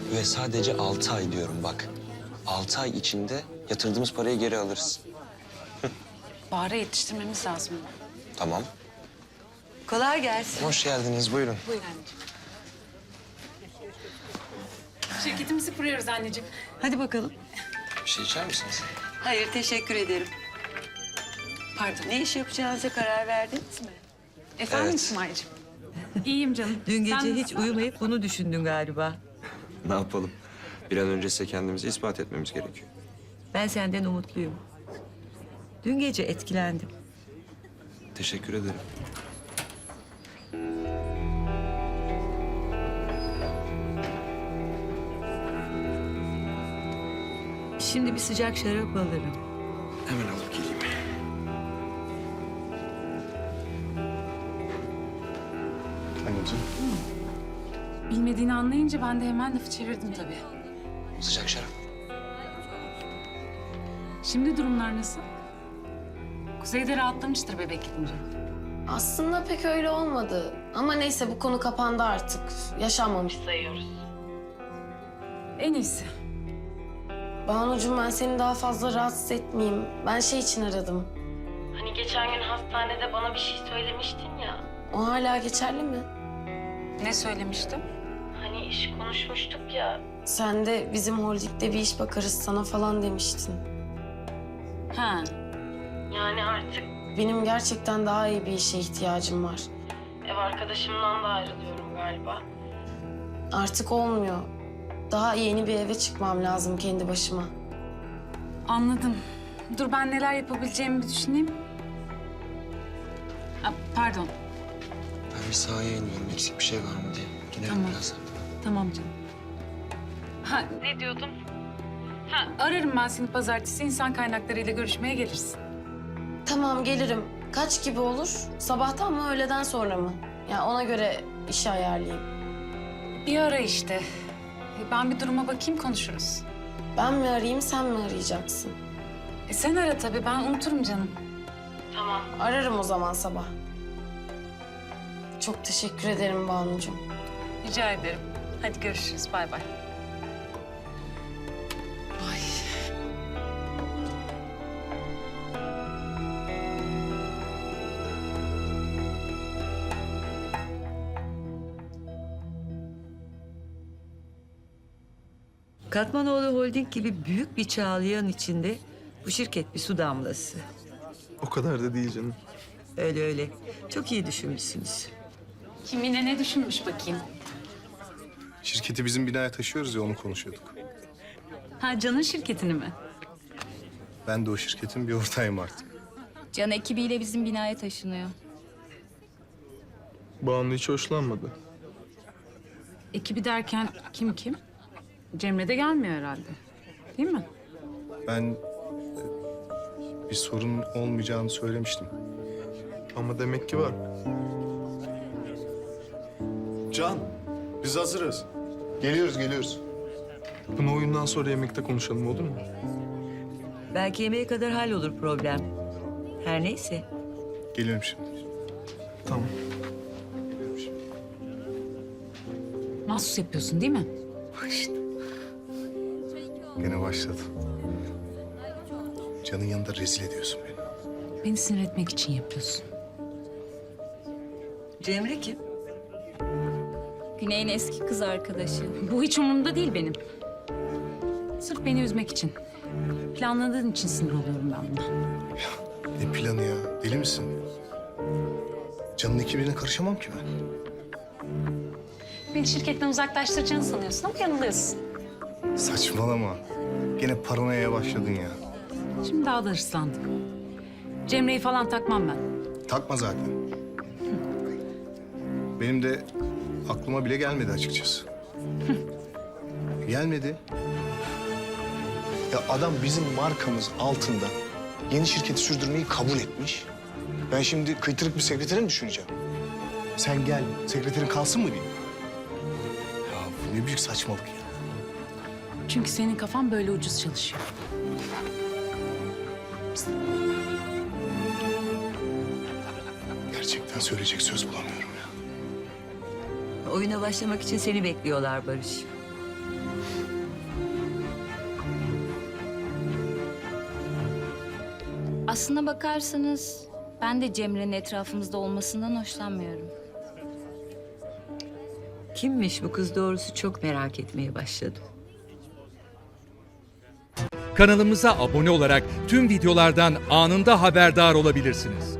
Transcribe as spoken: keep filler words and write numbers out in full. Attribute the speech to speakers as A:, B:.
A: Ve sadece altı ay diyorum bak. Altı ay içinde yatırdığımız parayı geri alırız.
B: Bahar'a yetiştirmemiz lazım.
A: Tamam.
C: Kolay gelsin.
A: Hoş geldiniz, buyurun.
B: Buyur anneciğim. Şirketimizi kuruyoruz anneciğim.
C: Hadi bakalım.
A: Bir şey içer misiniz?
C: Hayır, teşekkür ederim.
B: Pardon.
C: Ne iş yapacağınıza karar verdiniz mi?
B: Efendim
A: Evet.
B: İsmail'ciğim? İyiyim canım.
C: Dün gece
B: Sen
C: hiç
B: nasılsın?
C: uyumayıp bunu düşündün galiba.
A: Ne yapalım? Bir an önce size kendimizi ispat etmemiz gerekiyor.
C: Ben senden umutluyum. Dün gece etkilendim.
A: Teşekkür ederim.
C: Şimdi bir sıcak şarap alırım.
A: Hemen alıp geleyim. Anneciğim.
B: Bilmediğini anlayınca ben de hemen lafı çevirdim tabii.
A: Sıcak şarap.
B: Şimdi durumlar nasıl? Kuzey'de rahatlamıştır bebek gidince.
D: Aslında pek öyle olmadı. Ama neyse bu konu kapandı artık. Yaşanmamış sayıyoruz.
B: En iyisi.
D: Banucuğum ben seni daha fazla rahatsız etmeyeyim. Ben şey için aradım. Hani geçen gün hastanede bana bir şey söylemiştin ya. O hala geçerli mi?
B: Ne söylemiştim?
D: Hani iş konuşmuştuk ya. Sen de bizim holdingde bir iş bakarız sana falan demiştin.
B: Ha.
D: Yani artık benim gerçekten daha iyi bir işe ihtiyacım var. Ev arkadaşımdan da ayrılıyorum galiba. Artık olmuyor. Daha yeni bir eve çıkmam lazım kendi başıma.
B: Anladım. Dur ben neler yapabileceğimi bir düşüneyim. Aa, pardon.
A: Ben bir sahaya iniyorum. Eksik bir şey var mı diye. Gidelim
B: Tamam.
A: birazdan.
B: Tamam canım. Ha ne diyordum? Ha ararım ben seni pazartesi insan kaynaklarıyla görüşmeye gelirsin.
D: Tamam gelirim. Kaç gibi olur? Sabahtan mı öğleden sonra mı? Ya ona göre işi ayarlayayım.
B: Bir ara işte. E, Ben bir duruma bakayım konuşuruz.
D: Ben mi arayayım sen mi arayacaksın?
B: E, sen ara tabii ben unuturum canım.
D: Tamam. Ararım o zaman sabah. Çok teşekkür ederim Banucuğum.
B: Rica ederim. Hadi görüşürüz bay bay. Ay.
C: Katmanoğlu Holding gibi büyük bir çağlayan içinde bu şirket bir su damlası.
E: O kadar da değil canım.
C: Öyle öyle. Çok iyi düşünmüşsünüz.
B: Kim yine ne düşünmüş bakayım?
E: Şirketi bizim binaya taşıyoruz ya onu konuşuyorduk.
B: Ha Can'ın şirketini mi?
E: Ben de o şirketin bir ortağıyım artık.
F: Can ekibiyle bizim binaya taşınıyor.
E: Banu hiç hoşlanmadı.
B: Ekibi derken kim kim? Cemre de gelmiyor herhalde. Değil mi?
E: Ben e, bir sorun olmayacağını söylemiştim. Ama demek ki var.
G: Can, biz hazırız. Geliyoruz, geliyoruz.
E: Bunu oyundan sonra yemekte konuşalım olur mu?
C: Belki yemeğe kadar hallolur problem. Her neyse.
E: Geliyorum şimdi. Tamam.
B: Mahsus yapıyorsun değil mi?
E: Gene başladı. Can'ın yanında rezil ediyorsun beni.
B: Beni sinir etmek için yapıyorsun.
C: Cemre kim?
F: Güney'in eski kız arkadaşı.
B: Bu hiç umurumda değil benim. Sırf beni üzmek için. Planladığın için sinir oluyorum ben buna.
E: Ne planı ya? Deli misin? Can'ın ekibine karışamam ki ben.
B: Beni şirketten uzaklaştıracağını sanıyorsun ama yanılıyorsun.
E: Saçmalama. Gene paranoyaya başladın ya.
B: Şimdi daha da hırslandım. Cemre'yi falan takmam ben.
E: Takma zaten. Benim de aklıma bile gelmedi açıkçası. Gelmedi.
G: Ya adam bizim markamız altında yeni şirketi sürdürmeyi kabul etmiş. Ben şimdi kıytırık bir sekretere mi düşüneceğim? Sen gel, sekreterin kalsın mı diyeyim? Ya bu ne büyük saçmalık ya.
B: Çünkü senin kafan böyle ucuz çalışıyor.
G: Gerçekten söyleyecek söz bulamıyorum ya.
C: Oyuna başlamak için seni bekliyorlar Barış.
F: Aslına bakarsanız ben de Cemre'nin etrafımızda olmasından hoşlanmıyorum.
C: Kimmiş bu kız doğrusu çok merak etmeye başladım.
H: Kanalımıza abone olarak tüm videolardan anında haberdar olabilirsiniz.